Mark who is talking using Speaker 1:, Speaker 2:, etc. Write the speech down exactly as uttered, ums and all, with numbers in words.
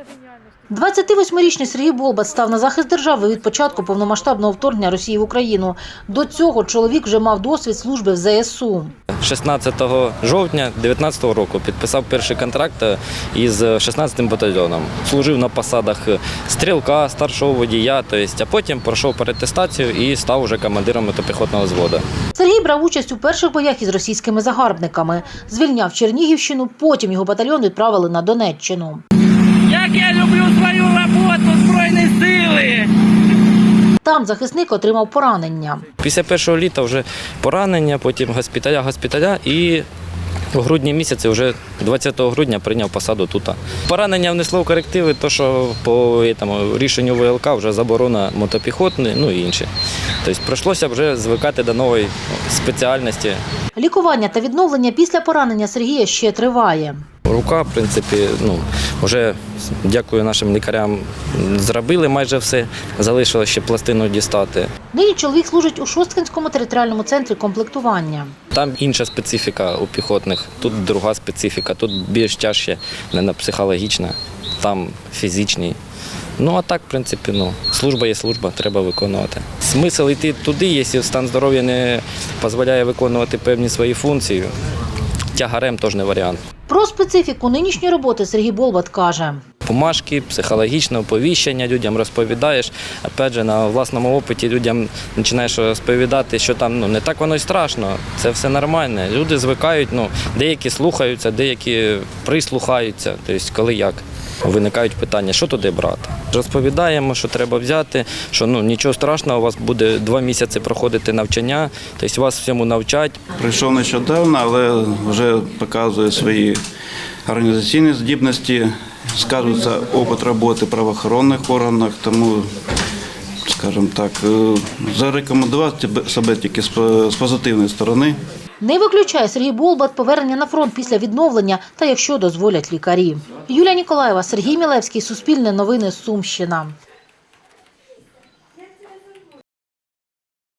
Speaker 1: двадцятивосьмирічний Сергій Болбат став на захист держави від початку повномасштабного вторгнення Росії в Україну. До цього чоловік вже мав досвід служби в зе ес у.
Speaker 2: шістнадцятого жовтня дві тисячі дев'ятнадцятого року підписав перший контракт із шістнадцятим батальйоном. Служив на посадах стрілка, старшого водія, а потім пройшов переатестацію і став уже командиром мотопіхотного взводу.
Speaker 1: Сергій брав участь у перших боях із російськими загарбниками. Звільняв Чернігівщину, потім його батальйон відправили на Донеччину.
Speaker 3: Як я люблю свою роботу, Збройні сили!
Speaker 1: Там захисник отримав поранення.
Speaker 2: Після першого літа вже поранення, потім госпіталя, госпіталя і у грудні місяці, вже двадцятого грудня прийняв посаду тут. Поранення внесло в корективи, то що по тому, рішенню ве ел ка вже заборона мотопіхотної, ну і інші. Тобто прийшлося вже звикати до нової спеціальності.
Speaker 1: Лікування та відновлення після поранення Сергія ще триває.
Speaker 2: Рука, в принципі, ну, вже, дякую нашим лікарям, зробили майже все, залишилося ще пластину дістати.
Speaker 1: Нині чоловік служить у Шосткинському територіальному центрі комплектування.
Speaker 2: Там інша специфіка у піхотних, тут друга специфіка, тут більш тяжче, не психологічна, там фізичний. Ну а так, в принципі, ну, служба є служба, треба виконувати. Смисл йти туди, якщо стан здоров'я не дозволяє виконувати певні свої функції, тягарем теж не варіант.
Speaker 1: Про специфіку нинішньої роботи Сергій Болбат каже.
Speaker 2: Бумажки, психологічне оповіщення людям розповідаєш. Опять же, на власному опиті людям починаєш розповідати, що там ну, не так воно й страшно, це все нормально. Люди звикають, ну, деякі слухаються, деякі прислухаються, тобто коли як. Виникають питання, що туди брати. Розповідаємо, що треба взяти, що ну, нічого страшного, у вас буде два місяці проходити навчання, тобто вас всьому навчать.
Speaker 4: Прийшов нещодавно, але вже показує свої організаційні здібності, сказується опит роботи в правоохоронних органах, тому, скажімо так, зарекомендувати себе тільки з позитивної сторони.
Speaker 1: Не виключає Сергій Болбат повернення на фронт після відновлення та якщо дозволять лікарі. Юлія Ніколаєва, Сергій Мілевський, Суспільне новини, Сумщина.